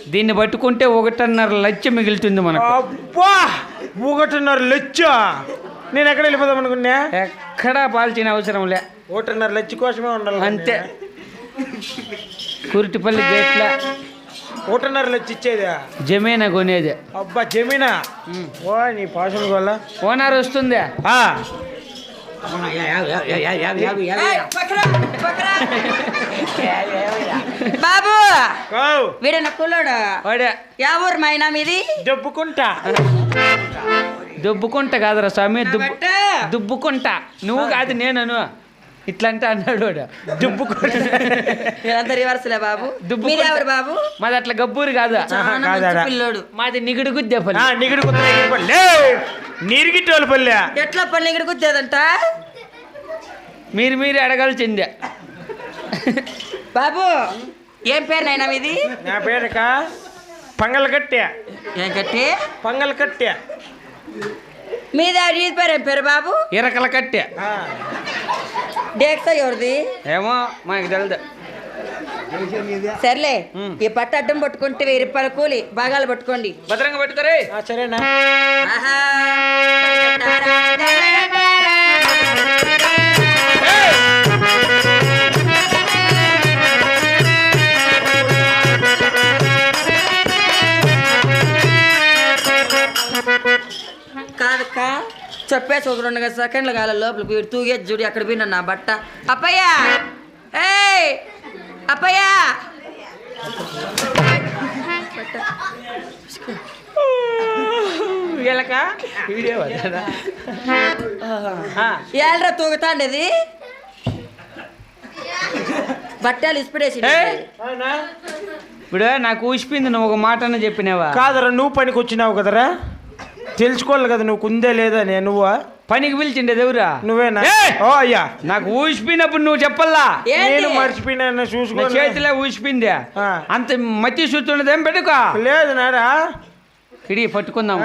దీన్ని పట్టుకుంటే 1.5 మిగులుతుంది మనకు. అబ్బా 1.5 నేను ఎక్కడ వెళ్ళిపోదాం అనుకున్నా. ఎక్కడా పాల్చిన అవసరం లే. 1.5 కోసమే ఉండాలి అంతే. కురిటిపల్లి గేట్ల 1.5 ఇచ్చేదా? జమీనా కొనేది. అబ్బా జమీనా. ఓ నీ పాషన్ వల్ల ఓనర్ వస్తుందా? బాబు వీడన్న కుల్లోడు వాడే. యా ఊరు మైనా మీది? దుబ్బుకుంట కాదురా స్వామి, దుబ్బుకుంట. నువ్వు కాదు నేనను ఇట్లంటే అన్నాడు వాడు. వీళ్ళంతా రివర్స్లే బాబు. మీది ఎవరు బాబు? మాది అట్లా గబ్బూరు కాదు, పిల్లోడు. మాది నిగుడు గుద్దేపల్లి. నీరుగిట్టోళ్ళ పల్లె. ఎట్లా పని ఇక్కడ గుద్దేదంట? మీరు అడగాల్సిందే. బాబు ఏం పేరు నైనా మీది? నా పేరుక పంగలకట్టె. ఏం కట్టి? పంగలకట్టె. మీది ఈ పేరు ఏం పేరు బాబు? ఇరకల కట్టె. డేక్సా ఎవరిది? ఏమో మనకు తెలియదు. సర్లే, ఈ పట్టు అడ్డం పట్టుకుంటే 1000 రూపాయల కూలి. భాగాలు పట్టుకోండి. భద్రంగా పట్టుకోరే. సరేనా? కాదక్క చెప్పేసి ఒక 2 సెకండ్లు కాల లోపలికి వీడు తూగేది చూడు. అక్కడ పోయినా నా బట్ట. అప్పయ్య, ఏయ్ అప్పయ్య. ఏళ్ళరా తూగుతాండేది బట్టలు ఇసిపడేసి. ఇప్పుడు నాకు ఊసిపోయింది, నువ్వు ఒక మాట అన్న చెప్పినావా? కాదరా, నువ్వు పనికి వచ్చినావు కదరా, తెలుసుకోవాలి కదా నువ్వు కుందే లేదా. నువ్వు పనికి పిలిచిండేది ఎవరా? నువ్వేనా? ఓ అయ్యా, నాకు ఊసిపోయినప్పుడు నువ్వు చెప్పల్లా. నేను మర్చిపోయినా. చూసుకో, చేతిలో ఊసిపోయింది. అంత మట్టి చూస్తున్నదేం పెట్టుకో. లేదు నారా, కిడి పట్టుకుందాము.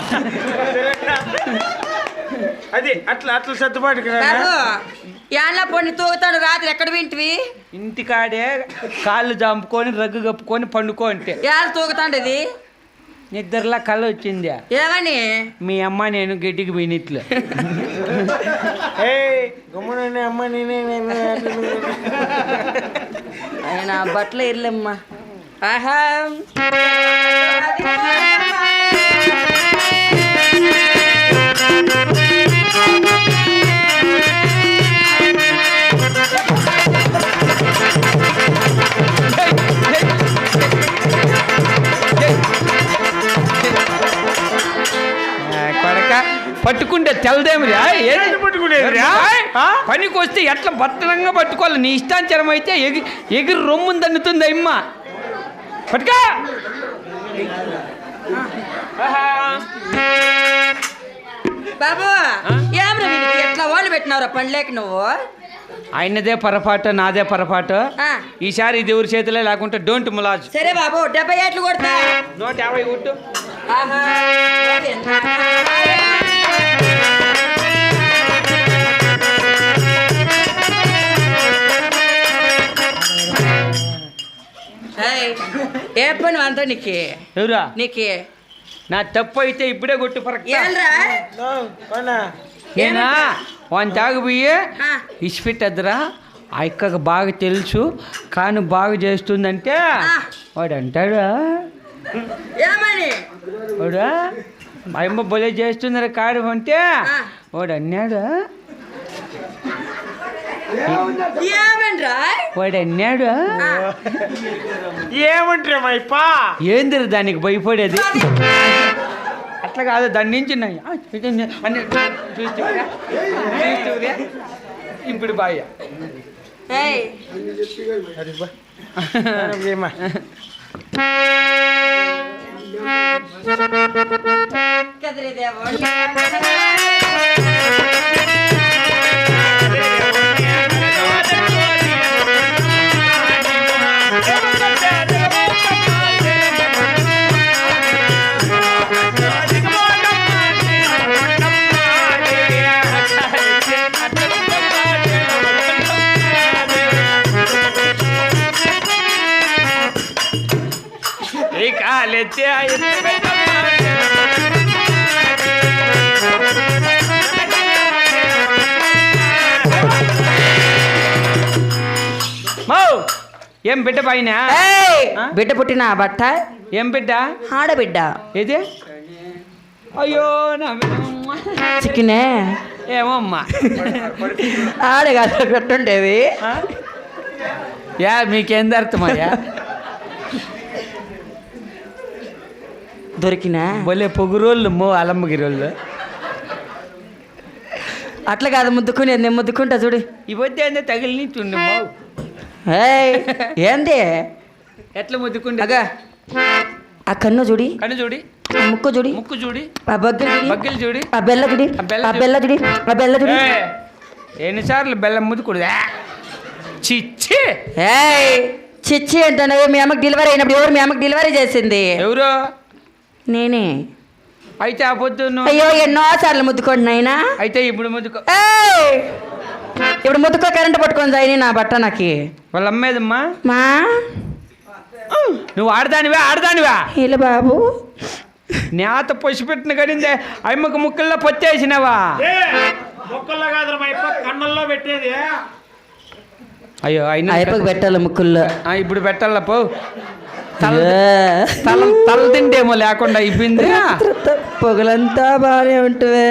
అది అట్లా సర్దుబాటు. యాన్లా పొన్ని తూగుతాడు. రాత్రి ఎక్కడ వింటివి? ఇంటికాడే కాళ్ళు జాంపుకొని రగ్గు కప్పుకొని పండుకో అంటే. యాళ్ళు తూగుతాండేది? నిద్రలా కళ వచ్చింది. ఏమని? మీ అమ్మ నేను గడ్డికి పోయినట్లు. అమ్మ ఆయన బట్టలు ఇర్లమ్మా. ఆహా పట్టుకుంటే తెలదేమిరా? పట్టుకునేదిరా? పనికి వస్తే ఎట్లా భద్రంగా పట్టుకోవాలి. నీ ఇష్టాంచరం అయితే ఎగిరి రొమ్మును దన్నుతుంది అమ్మ. పట్టుకా. బాబు ఏమరా ఎట్లా వాళ్ళు పెట్టినావురా పండ్లేక నువ్వు? ఆయనదే పొరపాటు, నాదే పొరపాటు. ఈసారి ఇది ఎవరి చేతిలో లేకుంటే డోంట్ ములాజ్. సరే బాబు 70 ఏట్లు కొడతా. 150 కొట్టు. ఏ పని అంతా నీకే? ఎవరా? నీకే. నా తప్పు అయితే ఇప్పుడే కొట్టు పరక్. నేనా వాని తాగిపోయి ఇసిపెట్టద్దురా. ఆ అక్కకు బాగా తెలుసు కానీ బాగా చేస్తుందంటే వాడు అంటాడా? వాడా మా అమ్మ బొలే చేస్తుందరా కాడు అంటే వాడు అన్నాడు. వాడు అన్నాడు. ఏమంటారా మైపా? ఏందిరా దానికి భయపడేది? అట్లా కాదు, దాని నుంచి ఇప్పుడు బాయ్ లాలెత్తే మౌ ఏం బిడ్డ పైన ఏయ్! ఆ? బిడ్డ పుట్టిన బట్ట ఏం బిడ్డ ఆడబిడ్డ ఏది అయ్యో నా చిక్కినే ఏమో అమ్మా ఆడగా పెట్టుండేవి ఆ? యా మీకేం అర్థమయ్యా దొరికినా బొలే పొగురోళ్ళు మో అలమ్మగిరోళ్ళు అట్లా కాదు ముద్దుకునేది నేను ముద్దుకుంటా చూడు ఈ పొద్దు తగిలి చుండు మో ఏయ్! ఏంది ఎట్లా ముద్దుకుండే అగా ఆ కన్ను చూడి కన్ను చూడి ఆ ముక్కు చూడి ముక్కు చూడి ఆ బగ్గలు చూడి బగ్గలు చూడి ఆ బెల్ల చూడి ఆ బెల్ల ఆ బెల్ల చూడి ఆ బెల్ల చూడి ఏయ్, ఎన్నిసార్లు బెల్లం ముద్దుకుడు చిచ్చి ఏయ్! చిచ్చి అంటాను మీ అమ్మకి డెలివరీ అయినప్పుడు ఎవరు మీ అమ్మకి డెలివరీ చేసింది ఎవరు నేనే అయితే ఆ పొద్దు నువ్వు- అయ్యో ఎన్నో సార్లు ముద్దుకోండి నాయనా అయితే ఇప్పుడు ముద్దుకో ఏయ్! ఇప్పుడు ముద్దుకో కరెంట్ పట్టుకొని జాయిని నా బట్ట నాకి వాళ్ళ అమ్మేదమ్మా మా నువ్వు ఆడదానివా ఇలా బాబు నేత పసిపెట్టిన కడిందే అమ్మకు ముక్కల్లో పొత్తేసినావా మొక్కల్లో కాదు మా ఇప్ప కన్నుల్లో పెట్టేది. అయ్యో అయినా అయిపోయి పెట్టాలి ముక్కుల్లో ఇప్పుడు పెట్టాల పో ఏ. తల తింటేమో లేకుండా అయిపోయింది పొగలంతా బాగానే ఉంటువే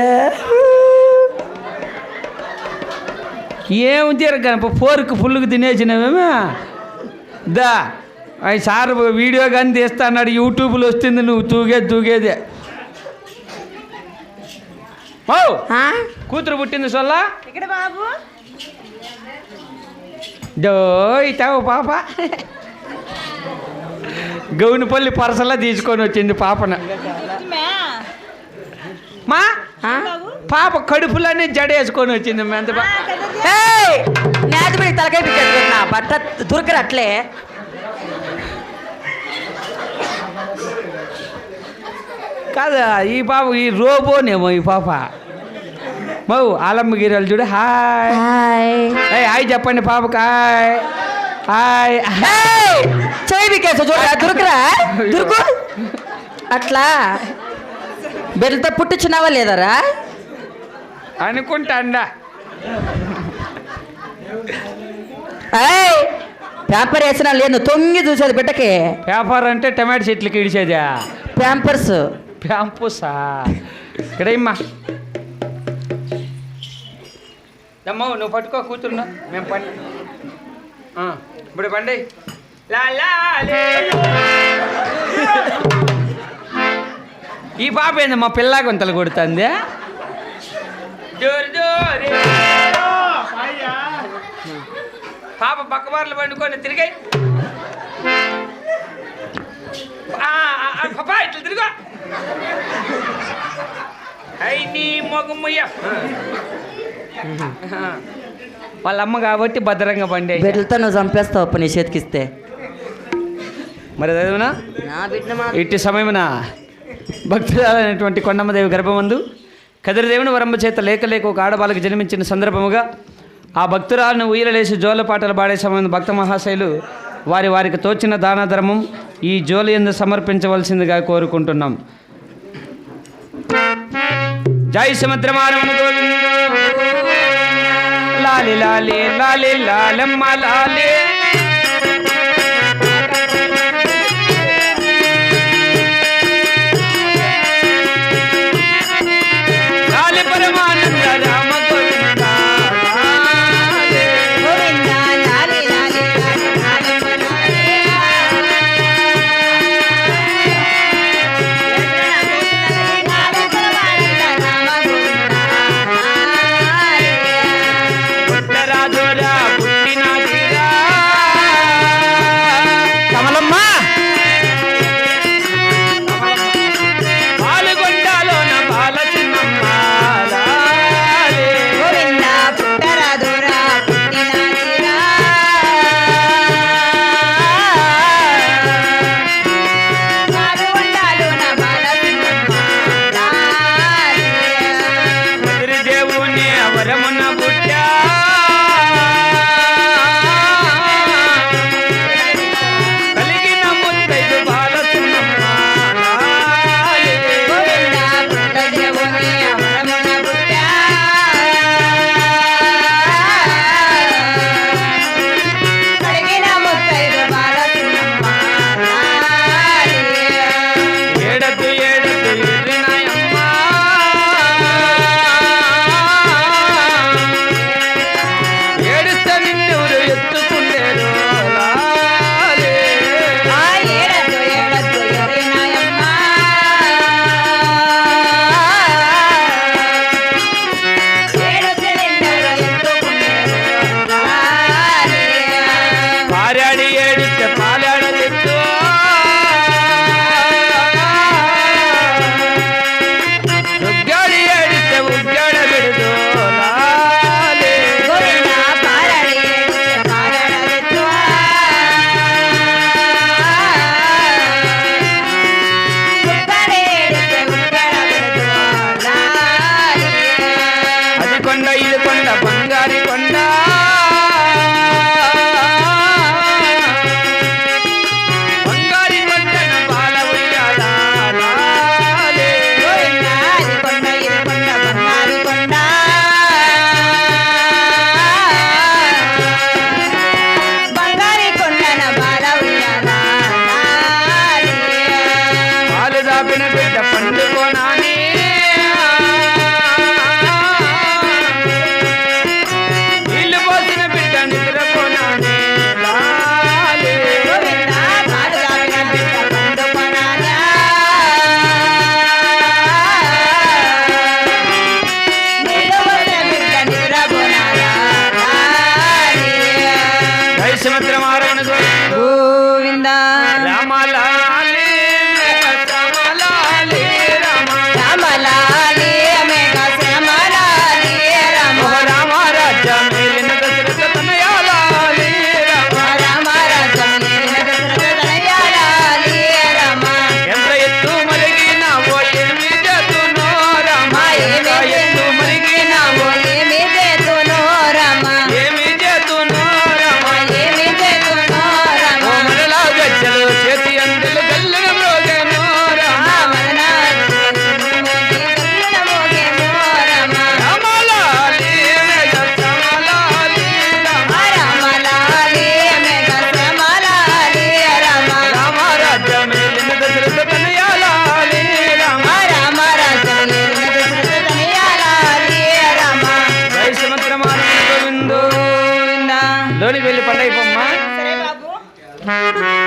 ఏం తీరగనప ఫోర్కు ఫుల్కి తినేసినవేమే దా అవి సార్ వీడియో కానీ తీస్తా అన్నాడు యూట్యూబ్లో వస్తుంది నువ్వు తూగేదే ఓ ఆ? కూతురు పుట్టింది సొల్లా ఇక్కడ బాబు డో ఇతావు పాప గౌనిపల్లి పరసలా తీసుకొని వచ్చింది పాపన మా ఆ? పాప కడుపులోనే జడేసుకొని వచ్చింది ఎంత ఏయ్! నేతపడి తలకాయ పిచ్చేస్తుంది నా బట్ట దొరకరు అట్లే కాదా ఈ పాప ఈ రోబోనేమో ఈ పాప మౌ ఆలమ్మగిరాలు చూడు హాయ్ హాయ్ ఏయ్ హాయ్ చెప్పండి పాపకి హాయ్ హాయ్ ఏయ్! చెయ్యి పిక్కేస్తా చూడరా దొరకరా దొరుకు అట్లా బిడ్డతో పుట్టించినావా లేదరా అనుకుంటా అండా ఏయ్! పేపర్ వేసినా లేదు తొంగి చూసేది బిడ్డకి పేపర్ అంటే టమాటో చెట్లకి ఇడిచేదా ప్యాంపర్స్ ప్యాంపుసా ఇక్కడ ఇమ్మా దమ్మా నువ్వు పట్టుకో కూతురున్నా మేము పండి ఇప్పుడు పండి లా లా లే. ఈ పాప ఏంది మా పిల్ల కొంతలు కొడుతుంది పాప పక్కబార్లు పండుకొని తిరిగాయి పాపా ఇట్లా తిరుగు అయి నీ మొగమ్మయ్య వాళ్ళ అమ్మ కాబట్టి భద్రంగా పండి బిడ్డలతో నువ్వు చంపేస్తావు అప్ప నీ చేతికిస్తే మరి చదివినా నా బిడ్డ ఇట్టి సమయమున భక్తురాలైనటువంటి కొండమ్మదేవి గర్భమందు కదిరిదేవుని వరంబ చేత లేక ఒక ఆడబాలకు జన్మించిన సందర్భముగా ఆ భక్తురాలను ఉయ్యలేసి జోల పాటలు పాడే సమయం భక్త మహాశైలు వారికి తోచిన దాన ధర్మం ఈ జోలి యందు సమర్పించవలసిందిగా కోరుకుంటున్నాం. జై సముద్రమానవ లాలి లాలి లాలి లాలమ్మ లాలి లాలి పరమానంద రామ గోవింద పుట్టరాజురా పుట్టిన తీరా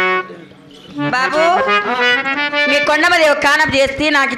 బాబు మీ కొండమది ఒక కానప్ చేస్తే నాకు